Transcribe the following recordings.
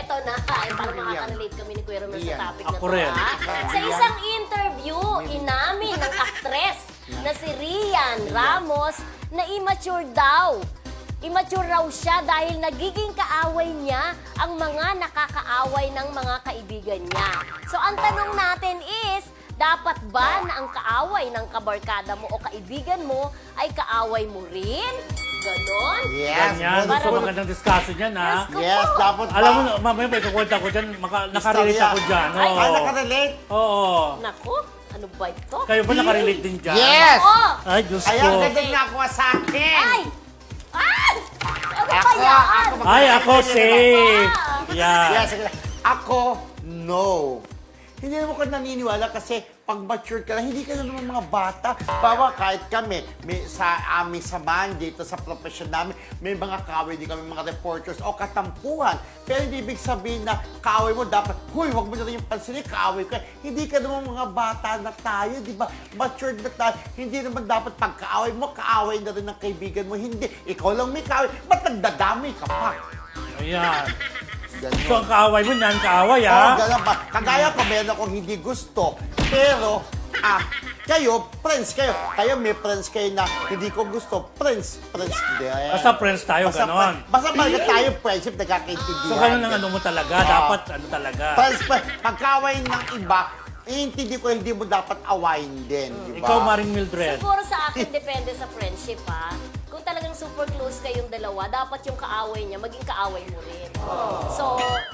eto na. Ay, parang makaka-relate kami ni Kuya Romel sa topic na Ako to. rin. Sa isang interview, inamin ng aktres na si Rian Ramos na immature daw. Immature raw siya dahil nagiging kaaway niya ang mga nakakaaway ng mga kaibigan niya. So ang tanong natin is, dapat ba na ang kaaway ng kabarkada mo o kaibigan mo ay kaaway mo rin? Ganon? Yes. Ganyan. Para Gusto mag- magandang discussion yan, ha? Yes, dapat ba? Alam mo, mamaya may kukwenta ko dyan, nakarelate Istorya. ako dyan. Ay, Oo. Ay, nakarelate? Oo. Naku, ano ba ito? Kayo ba nakarelate din dyan? Yes! Oh! Ay, Diyos Kaya ko. ganda nga ako sa akin. Ay! Ay! Ano ba Ako, yan? ako, Ay, ako safe. Yeah. Yes, ako, no. Hindi naman ko naniniwala kasi pag mature ka na, hindi ka na naman mga bata. Bawa kahit kami, sa aming samahan dito sa profession namin, may mga kaaway din kami, mga reporters o katampuhan. Pero hindi ibig sabihin na kaaway mo dapat, huy, wag mo na rin yung pansinin, kaaway ko. Hindi ka naman mga bata na tayo, di ba? Matured na tayo. Hindi naman dapat pag kaaway mo, kaaway na rin ng kaibigan mo. Hindi. Ikaw lang may kaaway. Ba't nagdadamay ka pa? Ayan. Ganun. So, ang kaaway mo yan, kaaway, Oo, ha? ganun ba? Kagaya ko, meron akong hindi gusto. Pero, kayo, friends kayo. Kayo, may friends kayo na hindi ko gusto. Friends din. Basta friends tayo, ganon. Basta talaga tayo, friendship, nagkakaintindihan. So, ganun ang ano mo talaga. Dapat, ano talaga. Friends, pagkaway ng iba, iintindi ko hindi mo dapat awayin din. Di ba? Ikaw, Maring Mildred. Siguro sa akin, depende sa friendship, ha? Kung talagang super close kayong dalawa, dapat yung kaaway niya, maging kaaway mo rin. So,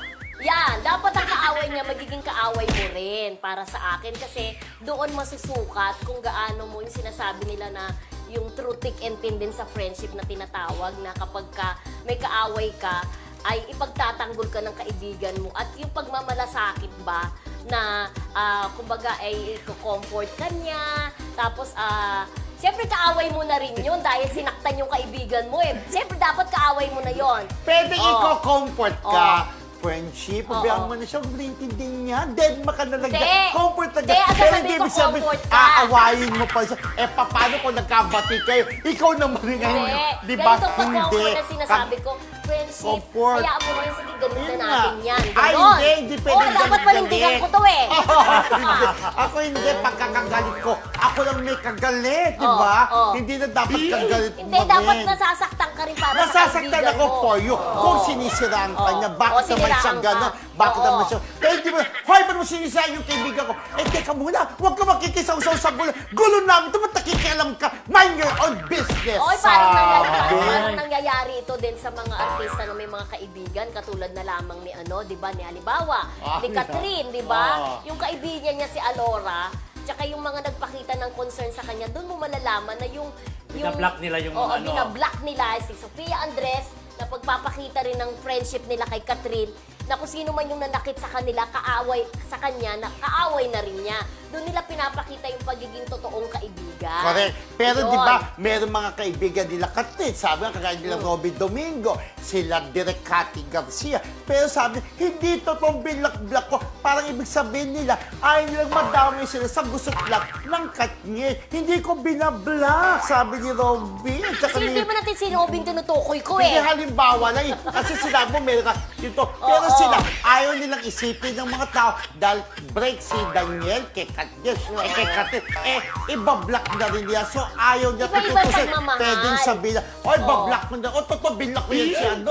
yan. Dapat ang kaaway niya, magiging kaaway mo rin para sa akin. Kasi doon masusukat kung gaano mo yung sinasabi nila na yung true thick and thin din sa friendship na tinatawag na kapag may kaaway ka, ay ipagtatanggol ka ng kaibigan mo. At yung pagmamalasakit ba na, kumbaga, ay i-comfort ka niya. Tapos, siyempre, kaaway mo na rin yun dahil sinaktan yung kaibigan mo eh. Siyempre, dapat kaaway mo na yon. Pwede Oh. i-comfort ka. Friendship, pabayaan mo na siya, huwag naintindihan niya. Dead maka na Hindi. comfort na Hindi, ang sasabihin ko, comfort ka. aawayin mo pa siya. Paano kung nagkabati kayo? Ikaw naman rin ngayon, di ba? Ganito pag comfort na sinasabi ko, friendship, Comfort. hayaan mo rin, sige, ganun Yun na nga. natin yan. Ay, Ganon. hindi pwede Oo, dapat galit. panindigan ko to eh. Hindi. Ako hindi, pagkakagalit ko, ako lang may kagalit, di ba? Oo. Hindi na dapat kagalit mo Hindi, dapat rin. nasasaktan ka rin para sa Nasasaktan kaibigan ako mo. for you. Kung sinisiraan ka Oo. niya, Oo, bakit naman siya siniraan ka. gano'n? Bakit Oo. naman siya? Pero hindi mo, hoy, ba't mo sinisiraan yung kaibigan ko? Teka muna, huwag ka makikisaw-saw sa gulo. Gulo namin, ito ba't nakikialam ka? Mind your own business. Oy, parang Sabi. nangyayari ito din sa mga artista na may mga kaibigan, katulad na lamang ni di ba, ni Halimbawa, ni Catherine, di ba? Yung kaibigan niya si Alora, tsaka yung mga nagpakita ng concern sa kanya, doon mo malalaman na yung Binablock nila yung Oo, mga ano. binablock nila si Sofia Andres na pagpapakita rin ng friendship nila kay Catherine na kung sino man yung nanakit sa kanila, kaaway sa kanya, na kaaway na rin niya. Doon nila pinapakita yung pagiging totoong kaibigan. Correct. Pero Yun. di ba, meron mga kaibigan nila Katrin, sabi nga kagaya nila Robby Domingo, sila Direk Cathy Garcia. Pero sabi, hindi totoong binlock-block ko. Parang ibig sabihin nila, ayaw nilang madami sila sa gusot lang ng Katniel. Hindi ko binablock, sabi ni Robby. At saka Kasi hindi ni- mo natin sinubing tinutukoy ko Hindi eh. halimbawa lang eh. Kasi sinabi mo, meron ka dito. Pero Oo. sila, ayaw nilang isipin ng mga tao dahil break si Daniel kay Katniel. Kay Katniel, ibablock na rin niya. So, ayaw niya Iba-iba tutusin. pagmamahal. Pwedeng sabihin na, oy, bablock mo na. O, totoo, binlock mo yan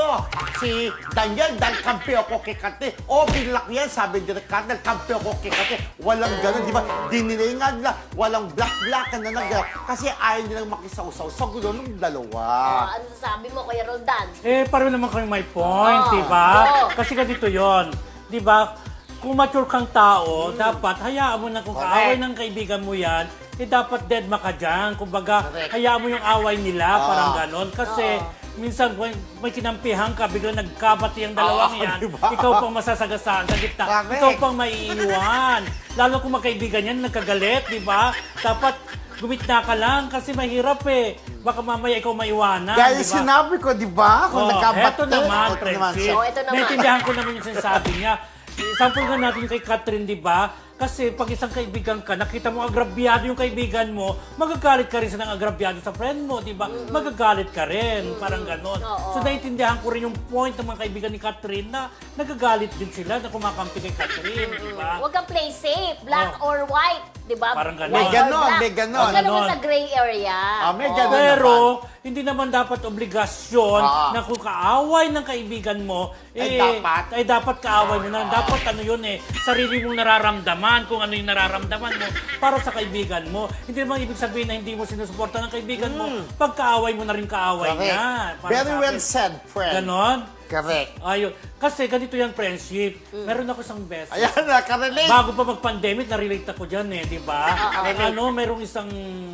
si Daniel dahil kampi ako kay Katniel. O, binlock yan, sabi ni Katniel, kampi ako kay Katniel. Walang ganun, di ba? Dinilay nga nila, walang black-blackan na nag kasi ayaw nilang makisawsaw sa gulo ng dalawa. Ano sasabi mo, Kuya Roldan? Pareho naman kami may point, Oo. di ba? Oo. Kasi ganito yon, di ba? Kung mature kang tao, dapat hayaan mo na kung Correct. kaaway ng kaibigan mo yan, dapat dead ka dyan. Kumbaga, Correct. hayaan mo yung away nila, parang ganon. Kasi, Oo. minsan may kinampihan ka, biglang nagkabati ang dalawang Oo, yan, diba? ikaw pang masasagasaan sa gitna, Correct. ikaw pang maiiwan. Lalo kung magkaibigan yan, nagkagalit, di ba? Dapat gumitna ka lang kasi mahirap eh. Baka mamaya ikaw maiwanan, Gaya di ba? sinabi ko, di ba? Kung nagkabati. Eto naman, eto friendship. siya. Oh, eto naman. Naintindihan ko naman yung sinasabi niya. Sample nga natin kay Catherine, di ba? Kasi pag isang kaibigan ka, nakita mo agrabyado yung kaibigan mo, magagalit ka rin sa nang agrabyado sa friend mo, di ba? Magagalit ka rin, parang ganon. Oo. So naiintindihan ko rin yung point ng mga kaibigan ni Catherine na nagagalit din sila na kumakampi kay Catherine, di ba? Huwag kang play safe, black or white, di ba? Parang ganon. White May ganon, or black. may ganon. Huwag ka naman Ganon. sa gray area. May Oo. ganon. Pero, hindi naman dapat obligasyon Ah. na kung kaaway ng kaibigan mo, Ay, dapat kaaway mo na. Dapat ano yun sarili mong nararamdaman, kung ano yung nararamdaman mo para sa kaibigan mo. Hindi naman ibig sabihin na hindi mo sinusuporta ng kaibigan mo, pag kaaway mo na rin kaaway Correct. niya. Para Very sa well akin. said, friend. Ganon? Correct. Ayun. Kasi ganito yung friendship. Meron ako isang best. Ayan, nakarelate. Bago pa mag-pandemic, na-relate ako dyan di ba? Merong isang,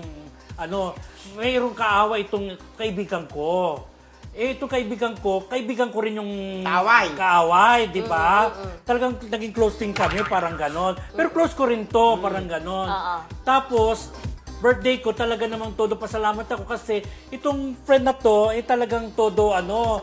mayroong kaaway itong kaibigan ko. Itong kaibigan ko rin yung kaaway, di ba? Talagang naging close din kami, parang ganon. Pero close ko rin to, parang ganon. Tapos, birthday ko, talaga namang todo pasalamat ako kasi itong friend na to, talagang todo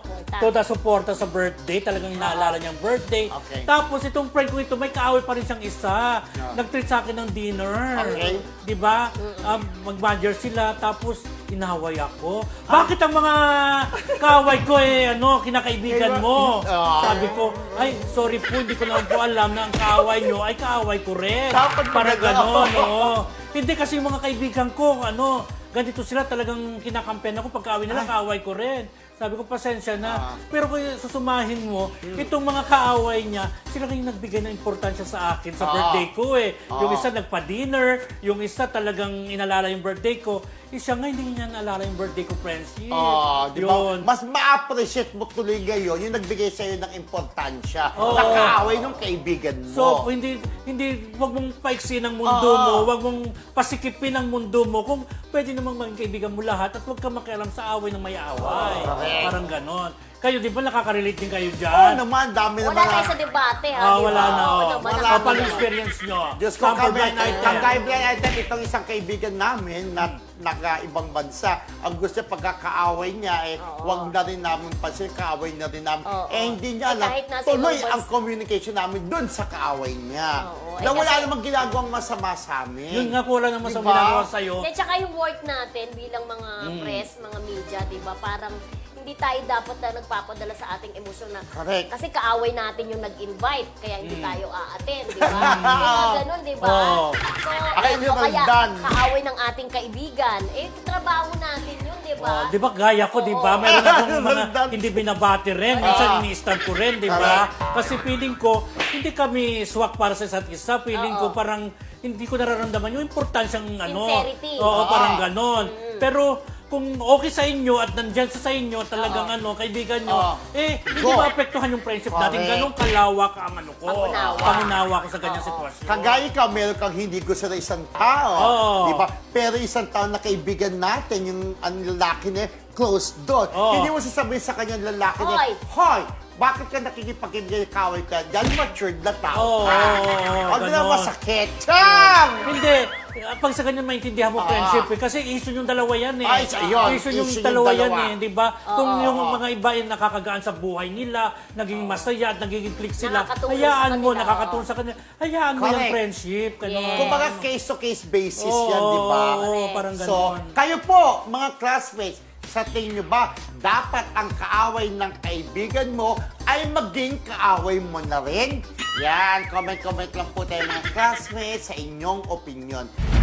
suporta sa birthday. Talagang naalala niyang birthday. Okay. Tapos itong friend ko ito, may kaaway pa rin siyang isa. Nag-treat sa akin ng dinner. Okay. Di ba? Mag-manager sila, tapos inaway ako. Bakit ang mga kaaway ko kinakaibigan mo? Sabi ko, ay, sorry po, hindi ko naman po alam na ang kaaway nyo ay kaaway ko rin. Dapat Parang maganda. gano'n, Hindi kasi yung mga kaibigan ko, ganito sila talagang kinakampen ako. Pagkaaway nila, kaaway ko rin. Sabi ko, pasensya na. Pero kung susumahin mo, itong mga kaaway niya, sila rin nagbigay ng importansya sa akin sa birthday ko Yung isa nagpa-dinner, yung isa talagang inalala yung birthday ko. Siya nga, hindi niya naalala yung birthday ko, friendship. Di ba? Mas ma-appreciate mo tuloy ngayon yung nagbigay sa'yo ng importansya. Oo. Nakaaway ng kaibigan mo. So, wag mong paiksi ng mundo mo, wag mong pasikipin ang mundo mo. Kung pwede namang maging kaibigan mo lahat at wag ka makialam sa away ng may away. Correct. Parang ganon. Kayo, di ba nakaka-relate din kayo Oo dyan? naman, dami Wala naman. tayo sa debate, ha? di Wala ba? na. Oo Oh. naman, Wala Paano na. experience nyo? Diyos ko, Sample blind item. kagaya item, itong isang kaibigan namin na naka-ibang bansa, ang gusto niya pagkakaaway niya, wag na rin namin pansin, kaaway na rin namin. Oo. Hindi niya alam, Kahit nasa tuloy ibang ang communication namin dun sa kaaway niya. Oo. Na wala kasi- namang ginagawang masama sa amin. Yun nga, wala naman sa Diba? ginagawa sa'yo. At saka yung work natin bilang mga press, mga media, di ba? Parang hindi tayo dapat na nagpapadala sa ating emosyon na Correct. kasi kaaway natin yung nag-invite, kaya hindi tayo a-attend, di ba? Mga ganun, di ba? Oo. So, Ay, o kaya done. kaaway ng ating kaibigan, trabaho natin yun, di ba? Di ba gaya ko, di ba? Meron akong mga Nandun. hindi binabati rin. Minsan ini-stab ko rin, di ba? Kasi feeling ko, hindi kami swak para sa isa't isa. Feeling ko parang hindi ko nararamdaman yung importansyang Sincerity. Oo, parang ganon. Pero kung okay sa inyo at nandyan sa inyo talagang kaibigan nyo, hindi Go. maapektuhan yung friendship natin. Correct. Ganong kalawak ang Pangunawa. pangunawa ko sa ganyang sitwasyon. Kagaya ka, meron kang hindi gusto na isang tao. Oo. Di ba? Pero isang tao na kaibigan natin, yung ang lalaki niya, close doon. Oo. Hindi mo sasabihin sa kanya lalaki niya, Hoy! Hoy! Bakit ka nakikipagkibigay kaway ka? Dahil matured na tao Oo, ka. oo, Huwag na ganon. masakit. Chang! Hindi. Pag sa ganyan maintindihan mo friendship kasi issue yung dalawa yan Ay, yun. Issue yung Issue yung dalawa yan dalawa. di ba? Kung yung mga iba ay nakakagaan sa buhay nila, naging masaya at nagiging click sila, Nakakatulong hayaan sa mo, kanila, nakakatulong sa kanila. Hayaan mo yung Correct. friendship. Ganun. Yes. Kung mga case-to-case basis yan, Oo, di ba? oo, parang So, ganon. kayo po, mga classmates, sa tingin nyo ba, dapat ang kaaway ng kaibigan mo ay maging kaaway mo na rin? Yan, comment-comment lang po tayo mga classmates sa inyong opinion.